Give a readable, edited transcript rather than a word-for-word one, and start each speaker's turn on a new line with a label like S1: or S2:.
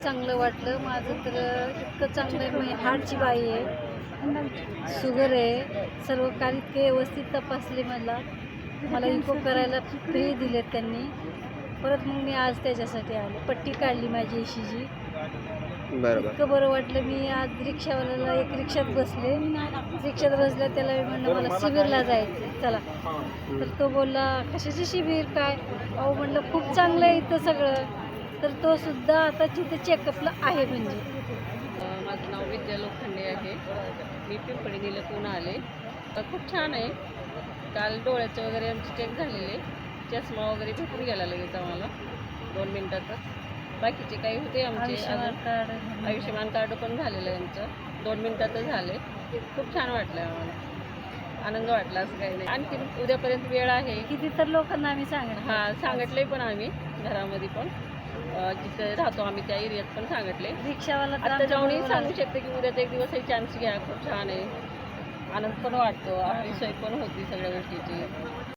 S1: चांगलं वाटलं माझं तर इतकं चांगलं आहे. मी हार्टची बाई आहे, शुगर आहे, सर्व काही इतके व्यवस्थित तपासले मला इको करायला फ्री दिलेत त्यांनी. परत मग मी आज त्याच्यासाठी आले, पट्टी काढली माझी एशीची.
S2: बरोबर.
S1: इतकं बरं वाटलं. मी आज रिक्षावाल्याला एक रिक्षात बसले, रिक्षात बसल्या त्याला मी म्हणलं मला शिबिरला जायचं चला, तर तो बोलला कशाचे शिबिर काय. अहो म्हणलं खूप चांगलं आहे इथं सगळं. तर तो सुद्धा आता तिथे चेकअपला आहे. म्हणजे
S3: माझं नाव विद्या लोखंडे आहे. मी पिंपळी निलकून आले. खूप छान आहे. काल डोळ्याचं वगैरे आमचे चेक झालेले, चष्मा वगैरे भेटून गेला लगेच आम्हाला 2 मिनिटातच. बाकीचे काही होते आमचे आयुष्यमान कार्ड पण झालेलं आहे आमचं, 2 मिनिटातच झाले. खूप छान वाटलं आम्हाला, आनंद वाटला. असं काही नाही. आणखी उद्यापर्यंत वेळ आहे.
S1: किती तर लोकांना आम्ही सांगितलं.
S3: हां, सांगितले पण आम्ही घरामध्ये पण, जिथे राहतो आम्ही त्या एरियात पण सांगितले.
S1: रिक्षावाला तर
S3: आता जाऊनही
S1: आमच्या
S3: सांगू शकते की उद्याचा एक दिवस हे चान्स घ्या, खूप छान आहे. आनंद पण वाटतो, आपली सोय पण होती सगळ्या गोष्टीची.